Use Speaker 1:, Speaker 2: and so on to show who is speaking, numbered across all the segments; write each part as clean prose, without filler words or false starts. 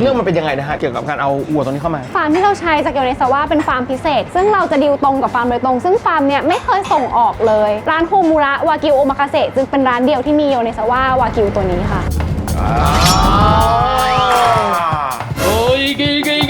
Speaker 1: เรื่องมันเป็นยังไงนะฮะเกี่ยวกับการเอาวัวตัวนี้เข้ามา
Speaker 2: ฟาร์มที่เราใช้จากโยเนซาวะเป็นฟาร์มพิเศษซึ่งเราจะดีลตรงกับฟาร์มโดยตรงซึ่งฟาร์มเนี่ยไม่เคยส่งออกเลยร้านโฮมูระวากิวโอมากาเสะจึงเป็นร้านเดียวที่มีโยเนซาวะวากิวตัวนี้ค่ะ
Speaker 3: โอ้ยเก๋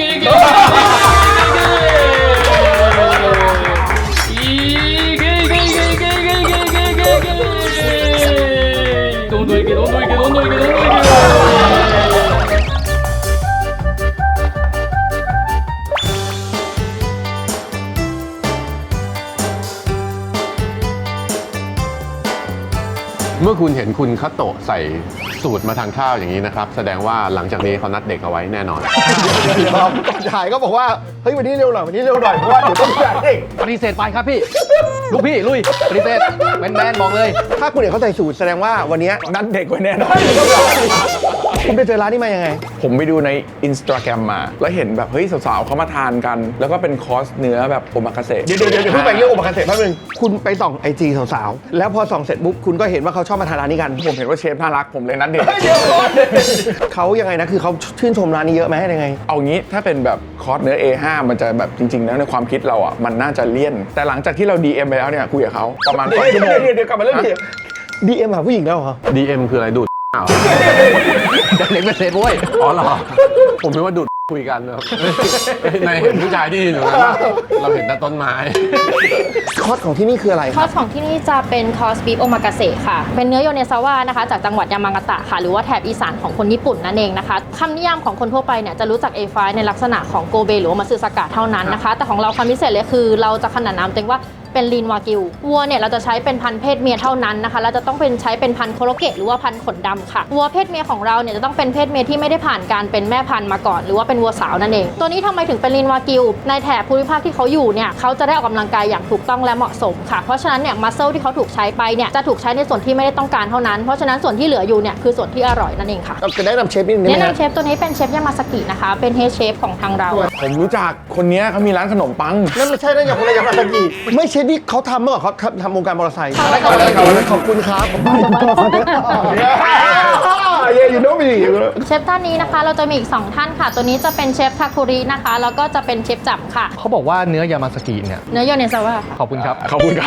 Speaker 4: เมื่อคุณเห็นคุณคัตโตะใส่สูตรมาทานข้าวอย่างนี้นะครับแสดงว่าหลังจากนี้เขานัดเด็กเอาไว้แน่นอน
Speaker 1: ก่อนถ่ายก็บอกว่าเฮ้ยวันนี้เร็วหน่อยวันนี้เร็วหน่อยเพราะว่าเดี๋ยวต้องจ่ายเอง
Speaker 3: ปฏิเสธไปครับพี่ลูกพี่ลุยปฏิเสธแมนบอกเลย
Speaker 1: ถ้าคุณเห็นเขาใส่สูตรแสดงว่าวันนี้
Speaker 5: นัดเด็กไว้แน่นอน
Speaker 1: คุณไปเจอร้านนี้มายังไง
Speaker 5: ผมไปดูใน Instagram มา แล้วเห็นแบบเฮ้ยสาวๆเขามาทานกัน แล้วก็เป็นคอร์สเนื้อแบบโอมากาเสะ
Speaker 1: เดี๋ยวเพิ่งไปเรื่องโอมากาเสะแป๊บนึงคุณไปส่องไอจีสาวๆแล้วพอส่องเสร็จปุ๊บคุณก็เห็นว่าเขาชอบมาทานร้านนี้กัน
Speaker 5: ผมเห็นว่าเชฟน่ารักผมเลยนัดเด็ก
Speaker 1: เขายังไงนะคือเขาชื่นชมร้านนี้เยอะไหมยังไง
Speaker 5: เอางี้ถ้าเป็นแบบคอร์สเนื้อ A5 มันจะแบบจริงๆแล้วในความคิดเราอ่ะมันน่าจะเลี่ยน แต่หลังจากที่เรา DM ไปแล้วเนี่ยคุยกับเขาประมาณ2 ชั่วโมง
Speaker 1: เดี๋ยวกลับมาเรื่องดีเอ็มหาผู้หญิงแล้วเหรอ
Speaker 4: DM คืออะไรดูดอ้าว
Speaker 3: เด็กเป็นเศษโว้ย
Speaker 4: อ๋อเหรอผมคิดว่าดูดคุยกันนะครับในเห็นผู้ชายที่อยู่นั้นเราเห็นแต่ต้นไม้
Speaker 1: คอร์สของที่นี่คืออะไร
Speaker 6: คอร์สของที่นี่จะเป็นคอร์สบีฟโอมากาเสะค่ะ เป็นเนื้อโยเนซาวะนะคะจากจังหวัดยามากาตะค่ะ หรือว่าแถบอีสานของคนญี่ปุ่นนั่นเองนะคะคำนิยามของคนทั่วไปเนี่ยจะรู้จัก A5 ในลักษณะของโกเบหรือว่ามัตสึสากะเท่านั้นนะคะ แต่ของเราความพิเศษเลยคือเราจะขนานนามตัวเองว่าเป็นลีนวากิววัวเนี่ยเราจะใช้เป็นพันธุ์เพศเมียเท่านั้นนะคะเราจะต้องเป็นใช้เป็นพันธุ์โคโรเกะหรือว่าพันธุ์ขนดำค่ะวัวเพศเมียของเราเนี่ยจะต้องเป็นเพศเมียที่ไม่ได้ผ่านการเป็นแม่พันธุ์มาก่อนหรือว่าเป็นวัวสาวนั่นเองตัวนี้ทำไมถึงเป็นลีนวากิวในแถบภูมิภาคที่เขาอยู่เนี่ยเขาจะได้ออกกำลังกายอย่างถูกต้องและเหมาะสมค่ะเพราะฉะนั้นเนี่ยมัสเซิลที่เขาถูกใช้ไปเนี่ยจะถูกใช้ในส่วนที่ไม่ได้ต้องการเท่านั้นเพราะฉะนั้นส่วนที่เหลืออยู่เนี่ยคือส่วนที่อร่อยนั่นเองค่ะ
Speaker 1: เราจะแนะนำเชฟนิดนึงได้
Speaker 6: แนะ
Speaker 1: ไหมฮะ
Speaker 6: นำเชฟตัวนี้เป็นเชฟยามาสกินะคะเป็นเฮดเชฟของทางเรา
Speaker 5: ผมรู้จักคนเนี้ยเขามีร้านขนมปัง
Speaker 1: นั่นไม่ใช่นั่นอย่างคนละอย่างมาตะกี้ไม่เชฟนี่เขาทำเมื่อก่อนเขาทำวงการมอเตอร์ไซค์ ขอบคุณครับเย่ยูโนมี
Speaker 6: เชฟท่านนี้นะคะเราจะมีอีก2ท่านค่ะตัวนี้จะเป็นเชฟทาคุรินะคะแล้วก็จะเป็นเชฟจับค่ะ
Speaker 3: เขาบอกว่าเนื้อยามาสกิเนี่ย
Speaker 6: เนื้อโยเนซาวะ
Speaker 3: ขอบคุณครับ
Speaker 5: ขอบคุณครับ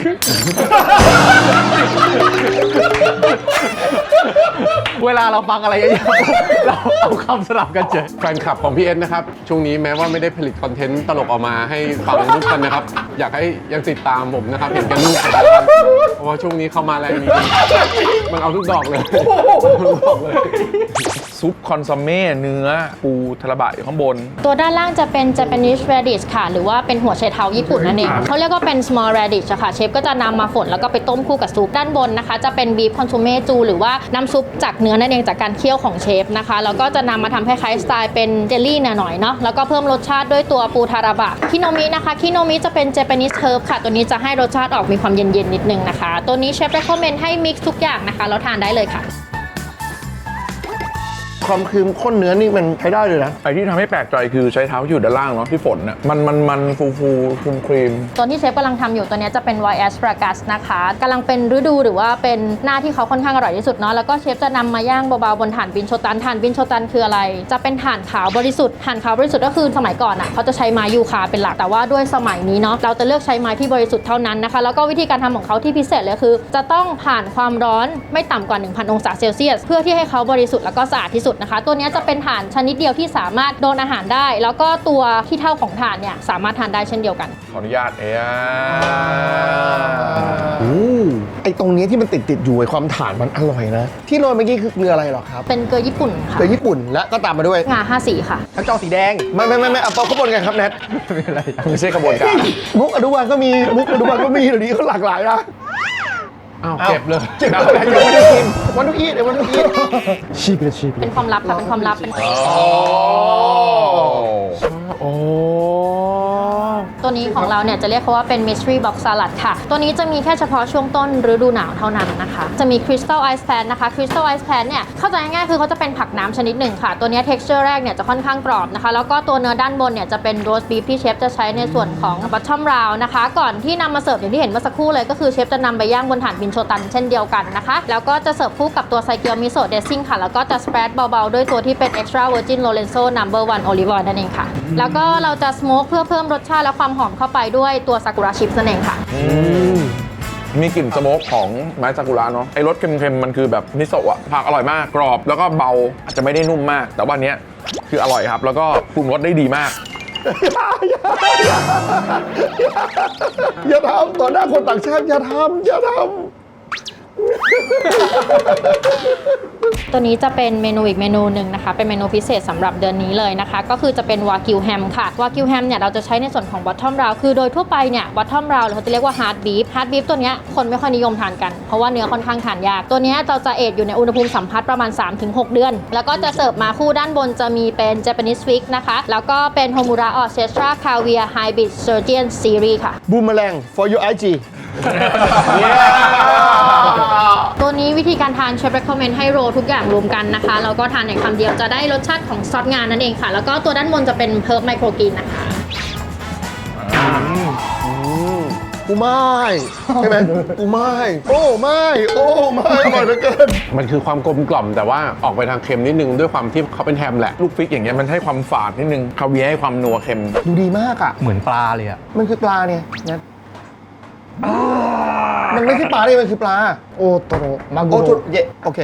Speaker 3: เวลาเราฟังอะไรเยอะๆเราเอาคำสลับกันเจอ
Speaker 4: แฟนคลับของพี่เอสนะครับช่วงนี้แม้ว่าไม่ได้ผลิตคอนเทนต์ตลกออกมาให้ฟังทุกคนนะครับอยากให้ยังติดตามผมนะครับเห็นกันลูกเพราะว่าช่วงนี้เข้ามาแรงนี้มันเอาทุกดอกเลยทุกดอกเลย
Speaker 5: ซุปคอนซัมเม่เนื้อปูทาราบะอยู่ข้างบน
Speaker 6: ตัวด้านล่างจะเป็น Japanese radish ค่ะหรือว่าเป็นหัวไชเท้าญี่ปุ่นนั่นเองเขาเรียกว่าเป็น small radish อะค่ะเชฟก็จะนำมาฝนแล้วก็ไปต้มคู่กับซุปด้านบนนะคะจะเป็น beef consomme จูหรือว่าน้ำซุปจากเนื้อนั่นเองจากการเคี่ยวของเชฟนะคะแล้วก็จะนำมาทำคล้ายๆสไตล์เป็นเจลลี่หน่อยๆเนาะแล้วก็เพิ่มรสชาติด้วยตัวปูทาราบะคิโนมินะคะคิโนมิจะเป็น Japanese herb ค่ะตัวนี้จะให้รสชาติออกมีความเย็นๆนิดนึงนะคะตัวนี้เชฟ recommend ให้ mix ทุกอย่างนะคะแล้วทานได้เลยค่ะ
Speaker 1: ความคือข้นเนื้อนี่มันใช้ได้เลยนะ
Speaker 5: ไอ้ที่ทำให้แปลกใจคือใช้เท้าอยู่ด้านล่างเนาะที่ฝนน่ะมันฟูครีม
Speaker 6: ตัวที่เชฟกำลังทำอยู่ตัวนี้จะเป็น White Asparagus นะคะกำลังเป็นฤดูหรือว่าเป็นหน้าที่เขาค่อนข้างอร่อยที่สุดเนาะแล้วก็เชฟจะนำมาย่างเบาๆบนถ่านบินโชตันถ่านบินโชตันคืออะไร จะเป็นถ่านขาวบริสุทธิ์ถ่านขาวบริสุทธิ์ก็คือสมัยก่อนอ่ะเขาจะใช้ไม้ยูคาเป็นหลักแต่ว่าด้วยสมัยนี้เนาะเราจะเลือกใช้ไม้ที่บริสุทธิ์เท่านั้นนะคะแล้วก็วิธีการทำของเขาที่พิเศษเลยคือ จะต้องผ่านความร้อนไม่ต่ำกว่า 1,000 องศาเซลเซียสเพื่อที่ให้เขาบริสุทธิ์แล้วก็สะอาดที่สุดนะคะตัวนี้จะเป็นถ่านชนิดเดียวที่สามารถโดนอาหารได้ แล้วก็ตัวที่เท่าของถ่านเนี่ยสามารถทานได้เช่นเดียวกัน
Speaker 5: ขออนุญาต
Speaker 1: ไอ้ตรงนี้ที่มันติดอยู่ไอ้ความถ่านมันอร่อยนะ ที่โรยเมื่อกี้คือเกลืออะไรหรอครับ
Speaker 6: เป็นเกลือญี่ปุ่นค่ะ
Speaker 1: เกลือญี่ปุ่นและก็ตามมาด้วย
Speaker 6: งา5สีค่ะ
Speaker 1: ทั้งจอสีแดงไม่เอาเขาบนกันครับแนท
Speaker 5: ไม่ใช่กระบวนการ
Speaker 1: มุกอนุบาลก็มีมุกอนุบาลก็มีเดี๋ยวนี้เขาหลากหลายนะ
Speaker 4: อ้าวเก็บเลย
Speaker 1: เจ็บอะไรยังไม่ได้กินวันทุกอีทวันทุกอีทชีพเลยชีพ
Speaker 6: เป็นความลับค่ะเป็นความลับเป็น
Speaker 5: โอ้
Speaker 6: ตัวนี้ของเราเนี่ยจะเรียกเขาว่าเป็น mystery box salad ค่ะตัวนี้จะมีแค่เฉพาะช่วงต้นฤดูหนาวเท่านั้นนะคะจะมี crystal ice pan นะคะ crystal ice pan เนี่ยเข้าใจง่ายๆคือเขาจะเป็นผักน้ำชนิดหนึ่งค่ะตัวนี้ texture แรกเนี่ยจะค่อนข้างกรอบนะคะแล้วก็ตัวเนื้อด้านบนเนี่ยจะเป็น roast beef ที่เชฟจะใช้ในส่วนของ bottom round นะคะก่อนที่นำมาเสิร์ฟอย่างที่เห็นเมื่อสักครู่เลยก็คือเชฟจะนำไปย่างบนถ่านบินโชตันเช่นเดียวกันนะคะแล้วก็จะเสิร์ฟคู่กับตัวไซเกียวมิโซะเดซซิ่งค่ะแล้วก็จะ spread เบาๆด้วยตัวที่เป็น extra virgin lorenzo number 1 olive oil นั่นเองค่ะแล้วก็เราจะ smoke เพื่อเพิ่มรสชาติและความหอมเข้าไปด้วยตัวซากุระชิพนั่นเองค่ะ
Speaker 5: มีกลิ่นสโมกของไม้ซากุระเนาะไอ้รสเค็มๆมันคือแบบมิโซะอะผักอร่อยมากกรอบแล้วก็เบาอาจจะไม่ได้นุ่มมาก แต่ว่าเนี้ยคืออร่อยครับแล้วก็ปรุงรสได้ดีมาก
Speaker 1: อย่าทำต่อหน้าคนต่างชาติอย่าทำอย่าทำ
Speaker 6: ตัวนี้จะเป็นเมนูอีกเมนูหนึ่งนะคะเป็นเมนูพิเศษสำหรับเดือนนี้เลยนะคะก็คือจะเป็นวากิวแฮมค่ะวากิวแฮมเนี่ยเราจะใช้ในส่วนของบอททอมราวคือโดยทั่วไปเนี่ยบอททอมราวเขาจะเรียกว่าฮาร์ดบีฟตัวเนี้ยคนไม่ค่อยนิยมทานกันเพราะว่าเนื้อค่อนข้างทานยากตัวเนี้ยเราจะเอจอยู่ในอุณหภูมิสัมผัสประมาณ 3-6 เดือนแล้วก็จะเสิร์ฟมาคู่ด้านบนจะมีเป็น Japanese Fish นะคะแล้วก็เป็นโฮมูระออเซสตราคาเวียไฮบริดเซอร์เจียนซีรีส์ค่ะ
Speaker 1: บูมแมลง for your IG
Speaker 6: ตัวนี้วิธีการทานเชฟ recommend ให้โรลทุกอย่างรวมกันนะคะแล้วก็ทานในคำเดียวจะได้รสชาติของซอสงานนั่นเองค่ะแล้วก็ตัวด้านบนจะเป็นเพิร์ฟไมโครกรีนนะคะ
Speaker 1: กูไม่ใช่ไหมกูไม่โอ้ไม่โอ้ไม่อร่อยเหลือเกิน
Speaker 4: มันคือความกลมกล่อมแต่ว่าออกไปทางเค็มนิดนึงด้วยความที่เขาเป็นแฮมแหละ
Speaker 5: ลูกฟิกอย่างเงี้ยมันให้ความฝาดนิดนึงคาเวียร์ให้ความนัวเค็ม
Speaker 1: ดูดีมากอ่ะ
Speaker 3: เหมือนปลาเลยอะ
Speaker 1: มันคือปลาเนี่ยนะมันไม่ใช่ปลาเลยมันคือปลา โอโตโรมากุโรเยโอเค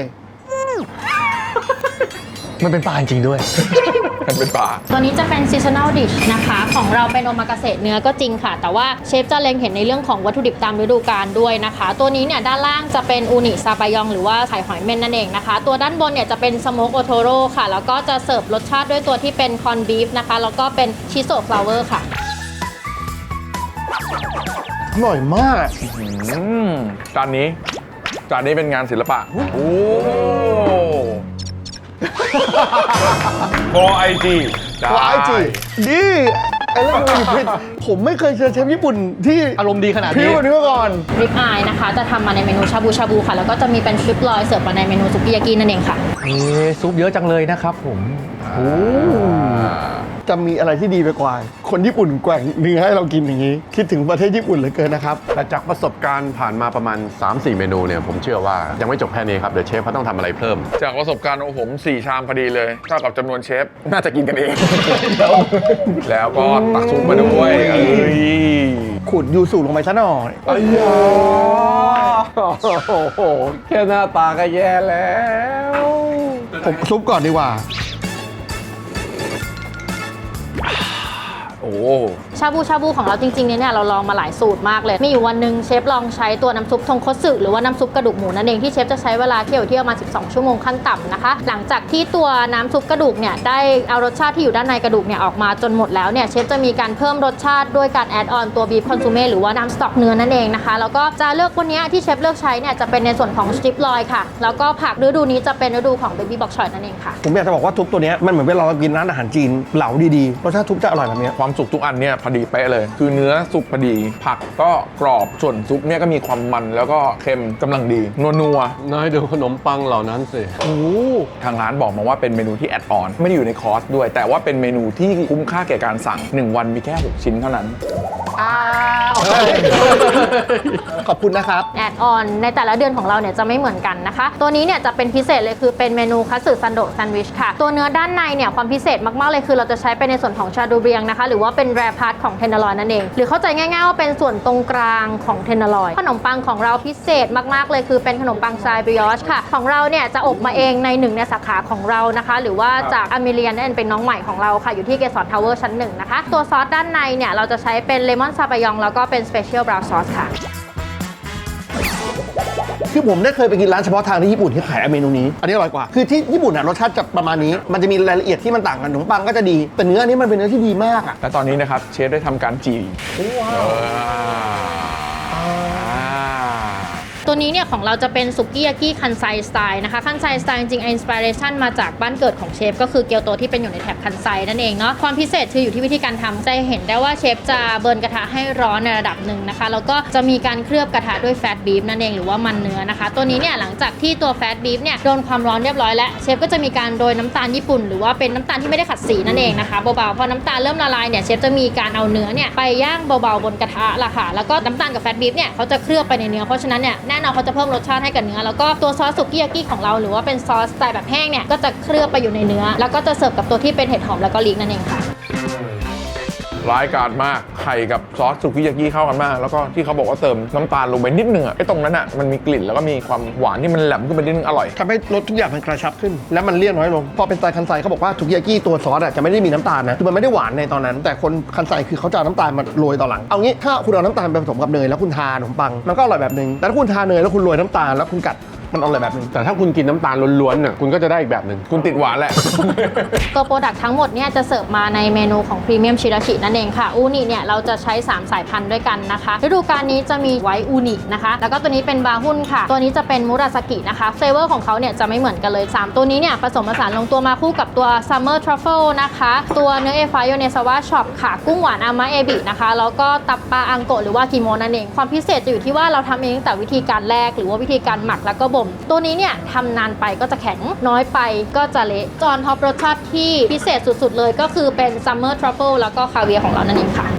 Speaker 3: มันเป็นปลาจริงๆด้วย
Speaker 5: มันเป็นปลา
Speaker 6: ตัวนี้จะเป็น seasonal dish นะคะของเราเป็นโอมากาเสะเนื้อก็จริงค่ะแต่ว่าเชฟจะเล็งเห็นในเรื่องของวัตถุดิบตามฤดูกาลด้วยนะคะตัวนี้เนี่ยด้านล่างจะเป็นอูนิซาบายองหรือว่าไข่หอยเม่นนั่นเองนะคะตัวด้านบนเนี่ยจะเป็นสโมกโอโทโร่ค่ะแล้วก็จะเสิร์ฟรสชาติด้วยตัวที่เป็นคอนบีฟนะคะแล้วก็เป็นชิโซะฟลาวเวอร์ค่ะ
Speaker 1: อร่อยมาก
Speaker 5: จานนี้เป็นงานศิลปะ โอ้พอไอจี
Speaker 1: พอไอจีดีไอ้เรื่องมันผิดผมไม่เคยเจอเชฟญี่ปุ่นที่
Speaker 3: อารมณ์ดีขนาด
Speaker 1: พิ้
Speaker 3: นี้
Speaker 1: วกว่านี้มาก่อน
Speaker 6: ริบอายนะคะจะทำมาในเมนูชาบูชาบูค่ะแล้วก็จะมีเป็นทริปลอยเสิร์ฟมาในเมนูซุกิยากินั่นเองค่ะ
Speaker 3: ซุปเยอะจังเลยนะครับผม
Speaker 1: จะมีอะไรที่ดีไปกว่า คนญี่ปุ่นแกว่งเนื้อให้เรากินอย่างนี้ คิดถึงประเทศญี่ปุ่นเหลือเกินนะครับ
Speaker 4: แต่จากประสบการณ์ผ่านมาประมาณ 3-4 เมนูเนี่ยผมเชื่อว่ายังไม่จบแค่นี้ครับเดี๋ยวเชฟเขาต้องทำอะไรเพิ่ม
Speaker 5: จากประสบการณ์ของผม 4 ชามพอดีเลยเท่ากับจำนวนเชฟ น่าจะกินกันเอง แล้วก็ตักซุปมาด้วยเอ้ย
Speaker 1: ขุดยูสุลงไปซะหน่อย
Speaker 4: โอ้โหแค่หน้าตาก็แย่แล้ว
Speaker 1: ผมซุปก่อนดีกว่า
Speaker 5: โอ้
Speaker 6: ชาบูของเราจริงๆเนี่ยเราลองมาหลายสูตรมากเลย มีอยู่วันหนึ่งเชฟลองใช้ตัวน้ำซุปทงคัตสึหรือว่าน้ำซุปกระดูกหมูนั่นเองที่เชฟจะใช้เวลาเคี่ยวที่ประมาณ12 ชั่วโมงขั้นต่ำนะคะหลังจากที่ตัวน้ำซุปกระดูกเนี่ยได้เอารสชาติที่อยู่ด้านในกระดูกเนี่ยออกมาจนหมดแล้วเนี่ยเชฟจะมีการเพิ่มรสชาติด้วยการแอดออนตัวบีฟคอนซูเม่หรือว่าน้ำสต๊อกเนื้อนั่นเองนะคะแล้วก็จะเลือกวันนี้ที่เชฟเลือกใช้เนี่ยจะเป็นในส่วนของสตริปลอยค่ะแล้วก็ผักฤดูนี้จะเป็นฤดูของเบบี้บ็อกชอยนั่นเองค่ะ
Speaker 1: ผมอยากจะบอกว่าทุบตัวเนี้ยมันเหมือนเวลาเรากินร้านอาหารจีนเหลาดีๆรสชาติทุบจะอร่อยแบบเนี้ย
Speaker 5: ความสุกทุกอันเนี่ยพอดีเป๊ะเลย คือเนื้อสุกพอดี ผักก็กรอบส่วนซุปเนี่ยก็มีความมันแล้วก็เค็มกำลังดีนัว
Speaker 4: น้อยดูขนมปังเหล่านั้นสิ
Speaker 5: ๆทางร้านบอกมาว่าเป็นเมนูที่แอดออนไม่ได้อยู่ในคอร์สด้วย แต่ว่าเป็นเมนูที่คุ้มค่าแก่การสั่ง 1 วันมีแค่ 6 ชิ้นเท่านั้น
Speaker 1: ขอบคุณนะครับ
Speaker 6: แอดออนในแต่ละเดือนของเราเนี่ยจะไม่เหมือนกันนะคะ ตัวนี้เนี่ยจะเป็นพิเศษเลยคือเป็นเมนูคัตสึซันโดะแซนด์วิชค่ะ ตัวเนื้อด้านในเนี่ยความพิเศษมากๆเลยคือเราจะใช้ไปในส่วนของชาดูเบียงนะคะหรือว่าเป็นแรพาร์ทของเทนเนอร์ลอยนั่นเองหรือเข้าใจง่ายๆว่าเป็นส่วนตรงกลางของเทนเนอร์ลอยขนมปังของเราพิเศษมากๆเลยคือเป็นขนมปังทรายบริออชค่ะของเราเนี่ยจะอบมาเองในหนึ่งในสาขาของเรานะคะหรือว่าจากอเมเรียนนั่นเป็นน้องใหม่ของเราค่ะอยู่ที่เกสรทาวเวอร์ชั้น 1นะคะตัวซอสด้านในเนี่ยเราจะใช้เป็นเลมอนซาบายองแล้วก็เป็นสเปเชียลบราวน์ซอสค่ะ
Speaker 1: คือผมได้เคยไปกินร้านเฉพาะทางที่ญี่ปุ่นที่ขายเมนูนี้ อันนี้อร่อยกว่า คือที่ญี่ปุ่นน่ะรสชาติจะประมาณนี้ มันจะมีรายละเอียดที่มันต่างกันขนมปังก็จะดี แต่เนื้ออันนี้มันเป็นเนื้อที่ดีมากอ่ะ
Speaker 5: และตอนนี้นะครับเชฟได้ทำการจี
Speaker 6: ตัวนี้เนี่ยของเราจะเป็นสุกี้ยากิคันไซสไตล์นะคะคันไซสไตล์จริงๆอินสปิเรชันมาจากบ้านเกิดของเชฟก็คือเกียวโตที่เป็นอยู่ในแถบคันไซนั่นเองเนาะความพิเศษคืออยู่ที่วิธีการทำจะเห็นได้ว่าเชฟจะเบิร์นกระทะให้ร้อนในระดับหนึ่งนะคะแล้วก็จะมีการเคลือบกระทะด้วยแฟตบีฟนั่นเองหรือว่ามันเนื้อนะคะตัวนี้เนี่ยหลังจากที่ตัวแฟตบีฟเนี่ยโดนความร้อนเรียบร้อยแล้วเชฟก็จะมีการโรยน้ำตาลญี่ปุ่นหรือว่าเป็นน้ำตาลที่ไม่ได้ขัดสีนั่นเองนะคะเบาๆพอน้ำตาลเริ่มละลายเนี่ยเชฟจะมีการเอาเนื้อเนี่ยไปย่างเบาๆบนกระทะละค่ะแล้วก็น้ำตาลกับแฟตบีฟเนี่ยเขาจะเคลือบไปในเนื้อเพราะฉะนั้นเนี่ยแน่นอนเขาจะเพิ่มรสชาติให้กับเนื้อแล้วก็ตัวซอสสุกี้ยากิของเราหรือว่าเป็นซอสสไตล์แบบแห้งเนี่ยก็จะเคลือบไปอยู่ในเนื้อแล้วก็จะเสิร์ฟกับตัวที่เป็นเห็ดหอมแล้วก็ลีกนั่นเองค่ะ
Speaker 5: ร้ายกาจมากไข่กับซอสสุกี้ยากิเข้ากันมากแล้วก็ที่เขาบอกว่าเติมน้ำตาลลงไปนิดนึงอะไอ้ตรงนั้นอะมันมีกลิ่นแล้วก็มีความหวานที่มันแหลมขึ้นไปนิดนึงอร่อย
Speaker 1: ทำให้รสทุกอย่างมันกระชับขึ้น และมันเลี่ยนน้อยลง พอเป็นสไตล์คันไซเขาบอกว่าสุกี้ยากิตัวซอสจะไม่ได้มีน้ำตาลนะ คือมันไม่ได้หวานในตอนนั้น แต่คนคันไซคือเขาจะเอาน้ำตาลมาโรยตอนหลัง เอางี้ถ้าคุณเอาน้ำตาลไปผสมกับเนยแล้วคุณทาขนมปังมันก็อร่อยแบบนึง แต่ถ้าคุณทาเนยแล้วคุณโรยน้ำตาลแล้วคุณกัดมันอร่อยแบบนึง
Speaker 4: แต่ถ้าคุณกินน้ำตาลล้วนๆน่ะคุณก็จะได้อีกแบบหนึ่ง
Speaker 5: คุณติดหวานแหละ
Speaker 6: ตัวโปรดักต์ทั้งหมดเนี่ยจะเสิร์ฟมาในเมนูของพรีเมียมชิราชินั่นเองค่ะอูนิเนี่ยเราจะใช้3สายพันธุ์ด้วยกันนะคะฤดูกาลนี้จะมีไวท์อูนินะคะแล้วก็ตัวนี้เป็นบาฮุนค่ะตัวนี้จะเป็นมุราสกินะคะเฟเวอร์ของเขาเนี่ยจะไม่เหมือนกันเลย3ตัวนี้เนี่ยผสมผสานลงตัวมาคู่กับตัวซัมเมอร์ทรัฟเฟิลนะคะตัวเนื้อเอฟายโยเนซาวะช็อปค่ะกุ้งหวานอามาเอบินะคะแล้วก็ตับปลาอังโกะหรือว่ากิโมนั่นเองความพิเศษจะอยู่ที่ว่าเราทำเองตั้งแต่วิธีการแรกหรือว่าวิธีการหมักแล้วก็บ่มตัวนี้เนี่ยทำนานไปก็จะแข็งน้อยไปก็จะเละจอนท็อปรสชาติที่พิเศษสุดๆเลยก็คือเป็นซัมเมอร์ทรัฟเฟิลแล้วก็คาเวียร์ของเรานั่นเองค่ะ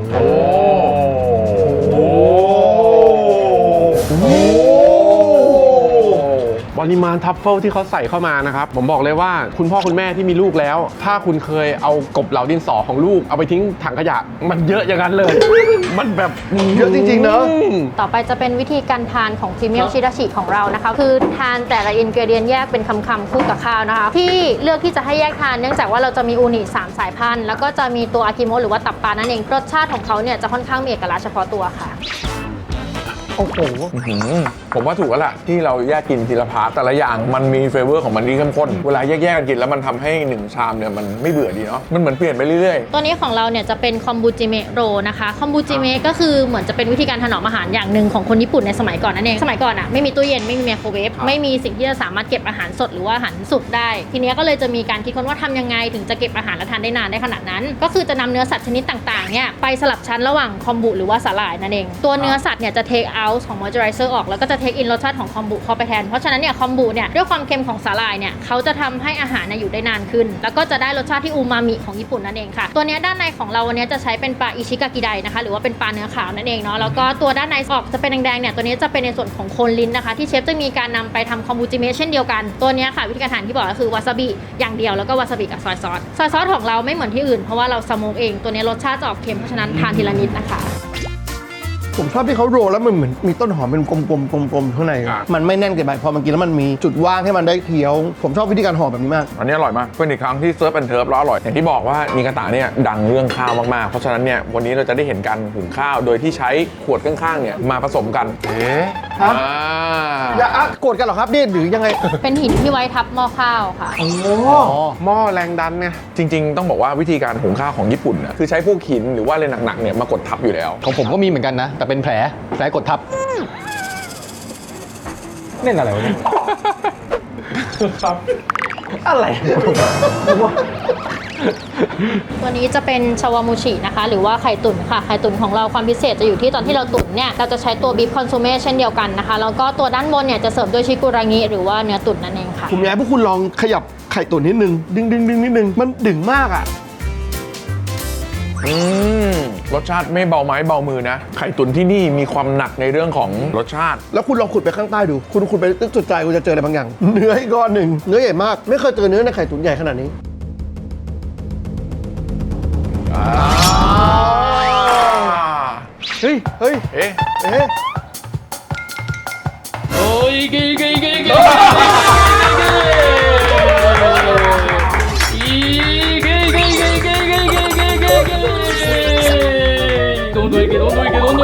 Speaker 4: ปริมาณทัฟเฟิลที่เขาใส่เข้ามานะครับผมบอกเลยว่าคุณพ่อคุณแม่ที่มีลูกแล้ว ถ้าคุณเคยเอากบเหลาดินสอของลูกเอาไปทิ้งถังขยะมันเยอะอย่างนั้นเลย มันแบบ
Speaker 1: เยอะจริงๆเนอะ
Speaker 6: ต่อไปจะเป็นวิธีการทานของพรีเมียมชิราชิของเรานะคะคือทานแต่ละอินกรีเดียนแยกเป็นคำๆคู่กับข้าวนะคะที่เลือกที่จะให้แยกทานเนื่องจากว่าเราจะมีอูนิ3สายพันธุ์แล้วก็จะมีตัวอากิโมะหรือว่าตับปลานั่นเองรสชาติของเขาเนี่ยจะค่อนข้างมีเอกลักษณ์เฉพาะตัวค่ะ
Speaker 1: โอ้โห
Speaker 5: ผมว่าถูกแล้วล่ะที่เราแยกกินทีละพาร์ทแต่ละอย่างมันมีเฟเวอร์ของมันที่เข้มข้นเวลาแยกๆกันกินแล้วมันทำให้1ชามเนี่ยมันไม่เบื่อดีเนาะมันเหมือนเปลี่ยนไปเรื่อยๆ
Speaker 6: ตัวนี้ของเราเนี่ยจะเป็นคอมบูจิเมะโรนะคะคอมบูจิเมะก็คือเหมือนจะเป็นวิธีการถนอมอาหารอย่างหนึ่งของคนญี่ปุ่นในสมัยก่อนนั่นเองสมัยก่อนอ่ะไม่มีตู้เย็นไม่มีไมโครเวฟไม่มีสิ่งที่จะสามารถเก็บอาหารสดหรือว่าอาหารสุกได้ทีนี้ก็เลยจะมีการคิดค้นว่าทำยังไงถึงจะเก็บอาหารและทานได้นานได้ขนาดนั้นก็คือจะนำเนื้อสัตว์ชนิดต่างๆเนี่ยไปสลับชั้นระหว่างคอมบูหรือว่าสาหร่ายนั่นเองตัวเนื้อสัตว์เนี่ยจะเทคเอาท์ของมอยเจอไรเซอร์ออกแล้วก็จะเทคอินรสชาติของคอมบูเข้าไปแทนเพราะฉะนั้นเนี่ยคอมบูเนี่ยด้วยความเค็มของสาหร่ายเนี่ยเขาจะทำให้อาหารอยู่ได้นานขึ้นแล้วก็จะได้รสชาติที่อูมามิของญี่ปุ่นนั่นเองค่ะตัวเนี้ยด้านในของเราวันนี้จะใช้เป็นปลาอิชิกากิไดนะคะหรือว่าเป็นปลาเนื้อขาวนั่นเองเนาะแล้วก็ตัวด้านในออกจะเป็นแดงๆเนี่ยตัวนี้จะเป็นในส่วนของโคนลิ้นนะคะที่เชฟจะมีการนำไปทำคอมบูจิเมะเช่นเดียวกันตัวเนี้ยค่ะวิธีการทานที่บอกก็คือวาซาบิอย่างเดียวแล้วก็วาซาบิกับซอยซอสของเราไม่เหมือนที่อื่นเพราะว่าเราสโมกเองตัวนี้รสชาติจะออกเค็มเพราะฉะนั้นทานทีละนิดนะคะ
Speaker 1: ผมชอบที่เขาโรลแล้วมันเหมือนมีต้นหอมเป็นกลมๆข้างใน มันไม่แน่นเกินไปพอมันกินแล้วมันมีจุดว่างให้มันได้เคี้ยวผมชอบวิธีการห่อแบบนี้มาก
Speaker 5: อันนี้อร่อยมากเป็นอีกครั้งที่เซิร์ฟแอนด์เทิร์ฟแล้วอร่อยอย่างที่บอกว่ามีกระตะเนี่ยดังเรื่องข้าวมากๆเพราะฉะนั้นเนี่ยวันนี้เราจะได้เห็นการหุงข้าวโดยที่ใช้ขวดข้างๆเนี่ยมาผสมกัน
Speaker 1: ฮะ อย่าโกรธกันเหรอครับนี่หรือยังไง
Speaker 6: เป็นหินที่ไว้ทับหม้อข้าวค่ะ
Speaker 4: หม้อแรงดันเนี่ย
Speaker 5: จริงๆต้องบอกว่าวิธีการหุงข้าวของญี่ปุ่นนะคือใช้พวกหินหรือว่าอะไรหนักๆเนี่ยมากดทับอยู่แล้ว
Speaker 3: ของผมก็มีเหมือนกันนะ แต่เป็นแผลกดทับเล่นอะไรวะเนี่ยอะไร
Speaker 6: ตัวนี้จะเป็นชาวามูชินะคะหรือว่าไข่ตุ๋นค่ะไข่ตุ๋นของเราความพิเศษจะอยู่ที่ตอนที่เราตุ๋นเนี่ยเราจะใช้ตัวบีฟคอนซูเม่เช่นเดียวกันนะคะแล้วก็ตัวด้านบนเนี่ยจะเสิร์ฟด้วยชิกุรางิหรือว่าเนื้อตุ๋นนั่นเองค่ะ
Speaker 1: ผมอยากให้พวกคุณลองขยับไข่ตุ๋นนิดนึงดึงนิดนึงมันดึงมากอ่ะ
Speaker 5: รสชาติไม่เบาไม้เบามือนะไข่ตุ๋นที่นี่มีความหนักในเรื่องของรสชาติ
Speaker 1: แล้วคุณลองขุดไปข้างใต้ดูคุณขุดไปตึกจุดใจคุณจะเจออะไรบางอย่าง เนื้ออีกก้อนหนึ่งเนื้อใหญ่มากไม่เคยเจอเนื้อในไข่ตุ๋นใหญ่ขนาดนี้เฮ้ยเฮ้ย
Speaker 5: เอ๊ะ
Speaker 1: เอ๊ะ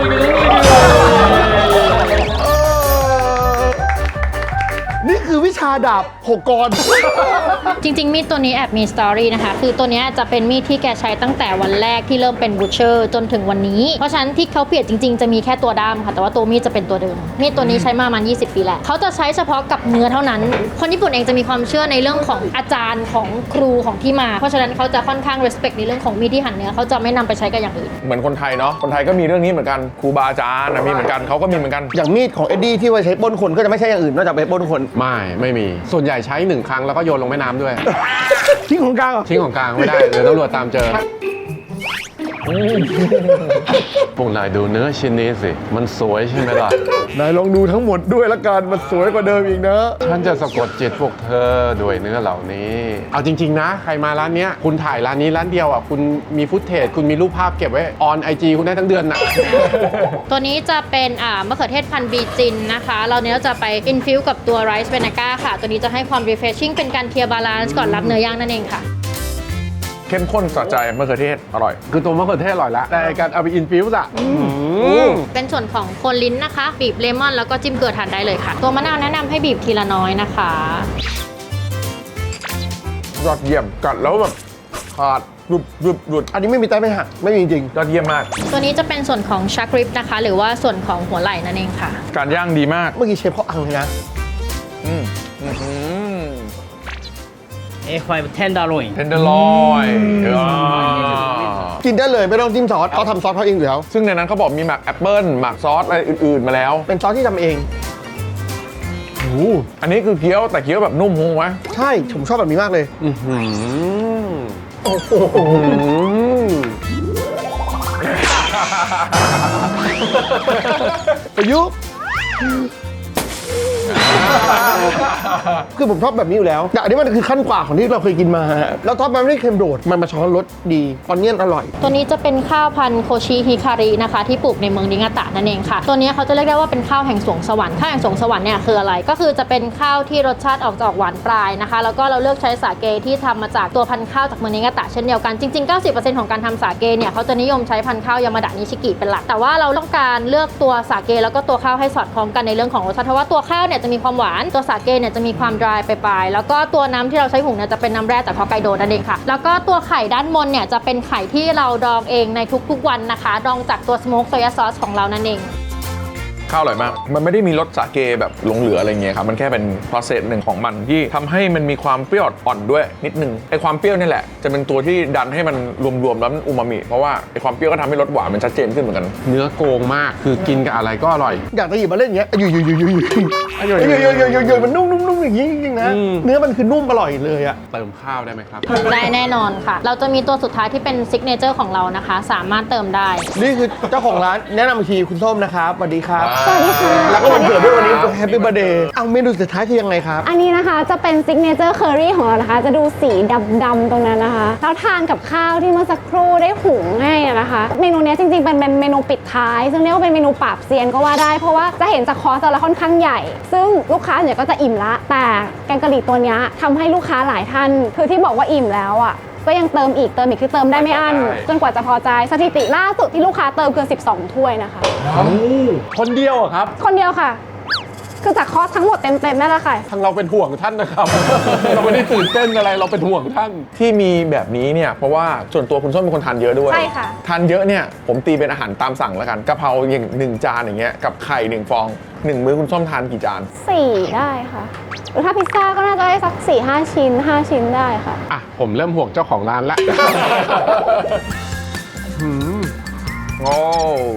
Speaker 1: นี่คือวิชาดาบ6 กร
Speaker 6: จริงๆมีดตัวนี้แอบมีสตอรี่นะคะคือตัวเนี้ยจะเป็นมีดที่แกใช้ตั้งแต่วันแรกที่เริ่มเป็นบูชเชอร์จนถึงวันนี้เพราะฉะนั้นที่เขาเปลี่ยนจริงๆจะมีแค่ตัวด้ามค่ะแต่ว่าตัวมีดจะเป็นตัวเดิมมีดตัวนี้ใช้มาประมาณ20 ปีแหละเขาจะใช้เฉพาะกับเนื้อเท่านั้นคนญี่ปุ่นเองจะมีความเชื่อในเรื่องของอาจารย์ของครูของที่มาเพราะฉะนั้นเขาจะค่อนข้าง respect ในเรื่องของมีดที่หั่นเนื้อเขาจะไม่นำไปใช้กับอย่างอื่น
Speaker 5: เหมือนคนไทยเนาะคนไทยก็มีเรื่องนี้เหมือนกันครูบาอาจารย์มีเหมือนกันเขาก็มีเหมือนกัน
Speaker 1: อย่างมีดของเอ็ดดี้ที่ไว้ใช้ปล้นคนก็จะไม่ใช่อย่างอื่นนอกจากไปปล้นคน
Speaker 4: ไม่มีส่วนใหญ่ใช้1 ครั้งแล้วก็โยนลงแม่น้ำด้วย
Speaker 1: ทิ้งของกลางเหรอ
Speaker 4: ทิ้งของกลางไม่ได้เดี๋ยวตำรวจตามเจอพวกนายดูเนื้อชิ้นนี้สิมันสวยใช่ไหมล่ะ
Speaker 1: นายลองดูทั้งหมดด้วยละกันมันสวยกว่าเดิมอีกนะ
Speaker 4: ฉันจะสะกดจิตพวกเธอด้วยเนื้อเหล่านี้ เอาจริงๆนะใครมาร้านเนี้ยคุณถ่ายร้านนี้ร้านเดียวอ่ะคุณมีฟุตเทจคุณมีรูปภาพเก็บไว้ออนIG คุณได้ทั้งเดือนน่ะ
Speaker 6: ตัวนี้จะเป็นมะเขือเทศพันธุ์บีจินนะคะเราเนี้ยจะไปอินฟิวกับตัวไรซ์เวนาก้าค่ะตัวนี้จะให้ความ refreshing เป็นการเคลียร์บาลานซ์ก่อนรับเนื้อย่างนั่นเองค่ะ
Speaker 5: เข้มข้นสะใจมะเขือเทศอร่อย
Speaker 4: คือตัวมะเขือเทศอร่อยแล้วแต่การเอาไปอินฟิวส์อ่ะ
Speaker 6: เป็นส่วนของโคนลิ้นนะคะ บีบเลมอนแล้วก็จิ้มเกลือทานได้เลยค่ะ ตัวมะนาวแนะนำให้บีบทีละน้อยนะคะ
Speaker 5: ยอดเยี่ยมกัดแล้วแบบขาดหลุด
Speaker 1: อันนี้ไม่มีใต้ไม่หักไม่มีจริง
Speaker 5: ยอดเยี่ยมมาก
Speaker 6: ตัวนี้จะเป็นส่วนของชักริบนะคะ หรือว่าส่วนของหัวไหล่นั่นเองค่ะ
Speaker 5: การย่างดีมาก
Speaker 1: เมื่อกี้เชฟเขาอังเลยนะ
Speaker 7: A5 tenderloin
Speaker 5: เทนเดอร์ลอย
Speaker 1: กินได้เลยไม่ต้องจิ้มซอสเขาทำซอสเขาเองอยู่แล้ว
Speaker 5: ซึ่งในนั้นเขาบอกมีหมักแอปเปิ้ลหมักซอสอะไรอื่นๆมาแล้ว
Speaker 1: เป็นซอสที่ทำเอง
Speaker 5: อันนี้คือเคี้ยวแต่เคี้ยวแบบนุ่มฮงไหม
Speaker 1: ใช่ผมชอบแบบนี้มากเลย ประยุกต์คือผมชอบแบบนี้อยู่แล้วแต่อันนี้มันคือขั้นกว่าของที่เราเคยกินมาฮะแล้วท็อปมันไม่ได้เค็มโดดมันมาช้อนรสดีออนเนียนอร่อย
Speaker 6: ตัวนี้จะเป็นข้าวพันธุ์โคชิฮิคารินะคะที่ปลูกในเมืองนิงาตะนั่นเองค่ะ ตัวนี้เขาจะเรียกได้ว่าเป็นข้าวแห่งสวงสวรรค์ข้าวแห่งสวงสวรรค์เนี่ยคืออะไรก็คือจะเป็นข้าวที่รสชาติออกจะออกหวานปลายนะคะแล้วก็เราเลือกใช้สาเกที่ทำมาจากตัวพันธุ์ข้าวจากเมืองนิงาตะเช่นเดียวกันจริงๆ 90% ของการทำสาเกเนี่ยเขาจะนิยมใช้พันธุ์ข้าวยามาดะนิชิกิเป็นหลักแต่ว่าเราต้องการเลือกตัวสาเกแล้วก็ตัวข้าวให้สอดคล้องกันในเรื่องของรสชาติเพราะว่าตัวข้าวเนี่ยจะมีความหวานตัวสาเกเนี่ยจะมีความ dry ไปปลายแล้วก็ตัวน้ำที่เราใช้หุงเนี่ยจะเป็นน้ำแร่จากฮอกไกโดนั่นเองค่ะแล้วก็ตัวไข่ด้านบนเนี่ยจะเป็นไข่ที่เราดองเองในทุกๆวันนะคะดองจากตัวสโมกโซยาซอสของเรานั่นเอง
Speaker 5: ข้าวอร่อยมาก มันไม่ได้มีรสสาเกแบบหลงเหลืออะไรเงี้ยครับ มันแค่เป็น process หนึ่งของมันที่ทำให้มันมีความเปรี้ยวอ่อนด้วยนิดนึง ไอความเปรี้ยวนี่แหละจะเป็นตัวที่ดันให้มันรวมๆแล้วมันอูมามิ เพราะว่าไอความเปรี้ยวก็ทำให้รสหวานมันชัดเจนขึ้นเหมือนกัน
Speaker 4: เนื้อโกงมากคือกินกับอะไรก็อร่อย
Speaker 1: อยากจะหยิบมาเล่นอย่างเงี้ยอยู่มันนุ่มๆอย่างนี้จริงๆนะเนื้อมันคือนุ่มอร่อยเลยอะ
Speaker 4: เติมข้าวได้ไหมครับ
Speaker 6: ได้แน่นอนค่ะ เราจะมีตัวสุดท้ายที่เป็นซิกเนเจอร์ของเรานะคะ สามารถเติมได้
Speaker 1: นี่คือเจ้าของร้านแนะนำอีกทีคุณส้มนะครับสวัสดีครับ
Speaker 2: สวัสดีค่ะ
Speaker 1: แล้วก็วันเกิดด้วยวันนี้แฮปปี้เบ t ร์ a เดย์เอาเมนูสุดท้ายคือยังไงครับ
Speaker 2: อันนี้นะคะจะเป็นซิกเนเจอร์เคอรี่ของเรานะคะ จะดูสีดำๆตรงนั้นนะคะแล้วทานกับข้าวที่เมื่อสักครู่ได้หุงให้อะนะคะ เมนูเนี้ยจริงๆเป็นเมนูปิดท้าย ซึ่งเรียกว่าเป็นเมนูปราบเซียนก็ว่าได้ เพราะว่าจะเห็นจากคอร์สเราค่อนข้างใหญ่ ซึ่งลูกค้าเนี่ยก็จะอิ่มละ แต่แกงกะหรี่ตัวเนี้ยทำให้ลูกค้าหลายท่านคือที่บอกว่าอิ่มแล้วอ่ะก็ยังเติมอีกคือเติมได้ไม่อั้นจนกว่าจะพอใจสถิติล่าสุดที่ลูกค้าเติมคือ12 ถ้วยนะคะ
Speaker 4: คนเดียวอะครับ
Speaker 2: คนเดียวค่ะ คือจากคอร์สทั้งหมดเต็มๆนั่นแหละค่ะ
Speaker 4: ทางเราเป็นห่วงท่านนะครับ เราไม่ได้ตื่นเต้นอะไรเราเป็นห่วงท่าน
Speaker 5: ที่มีแบบนี้เนี่ยเพราะว่าส่วนตัวคุณส้มเป็นคนทานเยอะด้วย
Speaker 2: ใช่ค่ะ
Speaker 5: ทานเยอะเนี่ยผมตีเป็นอาหารตามสั่งแล้วกันกะเพราอย่าง1 จานอย่างเงี้ยกับไข่1 ฟอง 1 มื้อคุณส้มทานกี่จาน
Speaker 2: 4 ได้ค่ะ หรือถ้าพิซซ่าก็น่าจะได้สัก 4-5 ชิ้น 5 ชิ้นได้ค่ะ
Speaker 4: อ่ะผมเริ่มห่วงเจ้าของร้านละ
Speaker 5: โอ้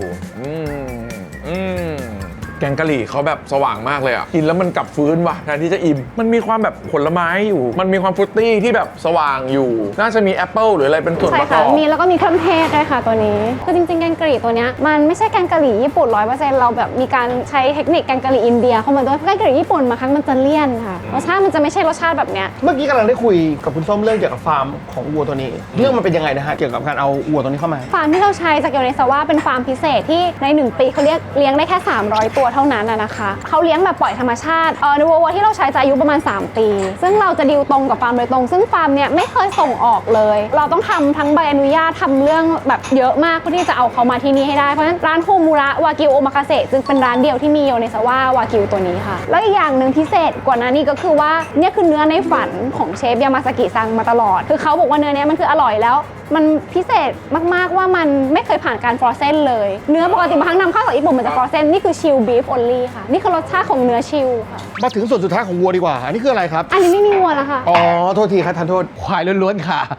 Speaker 5: แกงกะหรี่เขาแบบสว่างมากเลยอ่ะกินแล้วมันกลับฟื้นว่ะแทนที่จะอิ่มมันมีความแบบผลไม้อยู่ มันมีความฟรุตตี้ที่แบบสว่างอยู่ น่าจะมีแอปเปิลหรืออะไรเป็นส่วน
Speaker 2: ใช่
Speaker 5: ประก
Speaker 2: ค่ะ
Speaker 5: อบ
Speaker 2: มีแล้วก็มีเครื่องเทศด้วยค่ะตัวนี้ คือจริงๆ แกงกะหรี่ตัวเนี้ยมันไม่ใช่แกงกะหรี่ญี่ปุ่น 100% เราแบบมีการใช้เทคนิคแกงกะหรี่อินเดียเข้ามาด้วยเพราะแกงกะหรี่ญี่ปุ่นบางครั้งมันจะเลี่ยนค่ะรสชาติมันจะไม่ใช่รสชาติแบบเนี้ย
Speaker 1: เมื่อกี้กำลังได้คุยกับคุณส้มเรื่องเกี่ยวกับฟาร์มของวัวตัวนี้ เรื่องมันเป็นยังไงนะฮะเกี่ยวกับการเอาวัวตัวนี้เข้ามา
Speaker 2: ฟาร์มที่เราใช้จากโยเนซาวะเป็นฟาร์มพิเศษที่ใน 1 ปีเขาเลี้ยงได้แค่300 ตัวเท่านั้นนะคะเขาเลี้ยงแบบปล่อยธรรมชาติเนื้อวัวที่เราใช้จะอายุประมาณ3 ปีซึ่งเราจะดีลตรงกับฟาร์มโดยตรงซึ่งฟาร์มเนี่ยไม่เคยส่งออกเลยเราต้องทำทั้งใบอนุญาตทำเรื่องแบบเยอะมากเพื่อที่จะเอาเขามาที่นี่ให้ได้เพราะฉะนั้นร้านโฮมูระวากิวโอมากาเสะจึงเป็นร้านเดียวที่มีโยเนซาวะวากิวตัวนี้ค่ะแล้วอีกอย่างหนึ่งพิเศษกว่านั้นนี่ก็คือว่าเนี่ยคือเนื้อในฝันของเชฟยามาซากิซังมาตลอดคือเขาบอกว่าเนื้อเนี้ยมันคืออร่อยแล้วมันพิเศษมากๆว่ามันไม่เคยผ่านการฟรอเซนเลยเนื้อปกติบางครั้งนำเข้าจากญี่ปุ่นมันจะฟรอเซนนี่คือชิลบีฟออนลี่ค่ะนี่คือรสชาติของเนื้อชิลค่ะ
Speaker 1: มาถึงส่วนสุดท้ายของวัวดีกว่า อันนี้คืออะไรครับ
Speaker 2: อันนี้ไม่มีวัวแล้วค่ะ
Speaker 1: อ๋อ โทษทีครับทานโทษ
Speaker 3: ควายล้วนๆค่ะ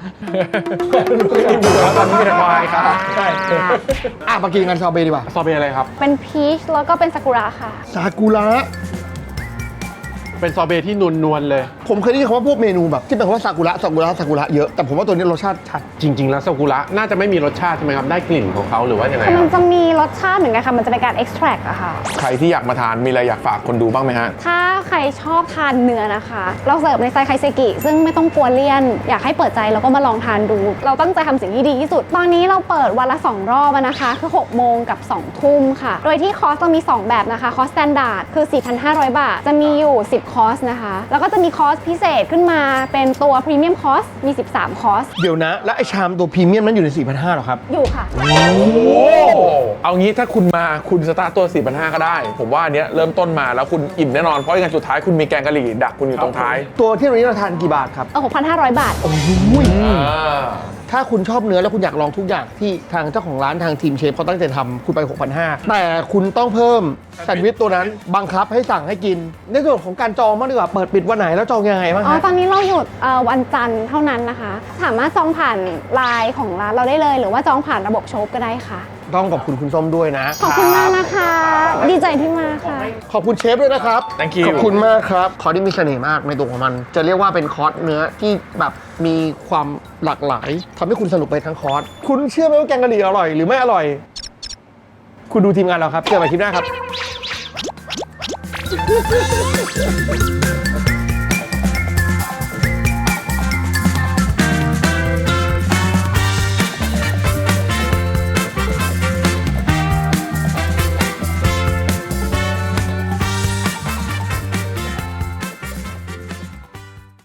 Speaker 5: ตอนนี้มีแต่ควายครับ
Speaker 1: ใช่มากินกันซอเบดีกว่า
Speaker 4: ซอเบอะไรครับ
Speaker 2: เป็นพีชแล้วก็เป็นซากุระค่ะ
Speaker 1: ซากุระ
Speaker 4: เป็นซอเบที่นวลๆเลย
Speaker 1: ผมเคยได้ยินคำว่าพวกเมนูแบบที่เป็นคำว่าซากุระเยอะ แต่ผมว่าตัวนี้รสชาติชัด
Speaker 4: จริง ๆ แล้วซากุระน่าจะไม่มีรสชาติใช่ไหมครับ ได้กลิ่นของเขาหรือว่ายังไง
Speaker 2: คือ
Speaker 4: ค
Speaker 2: มั
Speaker 4: รั
Speaker 2: น
Speaker 4: บ
Speaker 2: จะมีรสชาติเหมือนกันค่ะ มันจะเป็นการ extract อะค่ะ
Speaker 5: ใครที่อยากมาทานมีอะไรอยากฝากคนดูบ้างไหมฮะ
Speaker 2: ถ้าใครชอบทานเนื้อนะคะ เราเสิร์ฟในไซส์ไคเซกิซึ่งไม่ต้องกลัวเลี่ยน อยากให้เปิดใจแล้วก็มาลองทานดู เราตั้งใจทำสิ่งที่ดีที่สุด ตอนนี้เราเปิดวันละ 2 รอบนะคะ คือ6 โมงกับ 2 ทุ่มค่ะ โดยที่คอร์สเรามี 2 แบบนะคะ คอร์ส standard คือ 4,500 บาท จะมีอยู่ 10 คอร์สนะคะ แล้วก็จะมีคอร์สพิเศษขึ้นมาเป็นตัว premium คอร์ส มี 13 คอร์ส
Speaker 1: เดี๋ยวนะ แล้วไอชามตัวพรีเมียมนั้นอยู่ใน 4,500หรอครับ
Speaker 2: อยู่ค่ะ
Speaker 5: เอางี้ถ้าคุณมาคุณสตาร์ทตัว 4,500 ก็ได้ ผมว่าอันเนี้ยเริ่มต้นมาแล้วคุณอิ่มแน่นอน เพราะอย่างสุดท้ายคุณมีแกงกะหรี่ดักคุณอยู่ตรงท้าย
Speaker 1: ตัวที่วันนี้เราทานกี่บาทครับ
Speaker 2: 6,500 บาท
Speaker 1: ถ้าคุณชอบเนื้อแล้วคุณอยากลองทุกอย่างที่ทางเจ้าของร้านทางทีมเชฟเขาตั้งใจทำคุณไป 6,500 แต่คุณต้องเพิ่มแซนด์วิชตัวนั้นบังคับให้สั่งให้กิน ในส่วนของการจองบ้างดีกว่า เปิดปิดวันไหนแล้วจองยังไงบ้าง
Speaker 2: อ๋อ
Speaker 1: ฮะ
Speaker 2: ตอนนี้เราหยุดวันจันทร์เท่านั้นนะคะ สามารถจองผ่านไลน์ของร้านเราได้เลย หรือว่าจองผ่านระบบโชปก็ได้ค่ะ
Speaker 1: ต้องขอบคุณคุณส้มด้วยนะ
Speaker 2: ขอบคุณมากนะคะ ดีใจที่มาค่ะ
Speaker 1: ขอบคุณเชฟด้วยนะครับ
Speaker 5: Thank you
Speaker 1: ขอบคุณมากครับ คอร์สที่มีเสน่ห์มากในตัวของมัน จะเรียกว่าเป็นคอร์สเนื้อที่แบบมีความหลากหลายทำให้คุณสนุกไปทั้งคอร์ส คุณเชื่อไหมว่าแกงกะหรี่อร่อยหรือไม่อร่อย คุณดูทีมงานเราครับ เจอกันใหม่คลิปหน้าครับ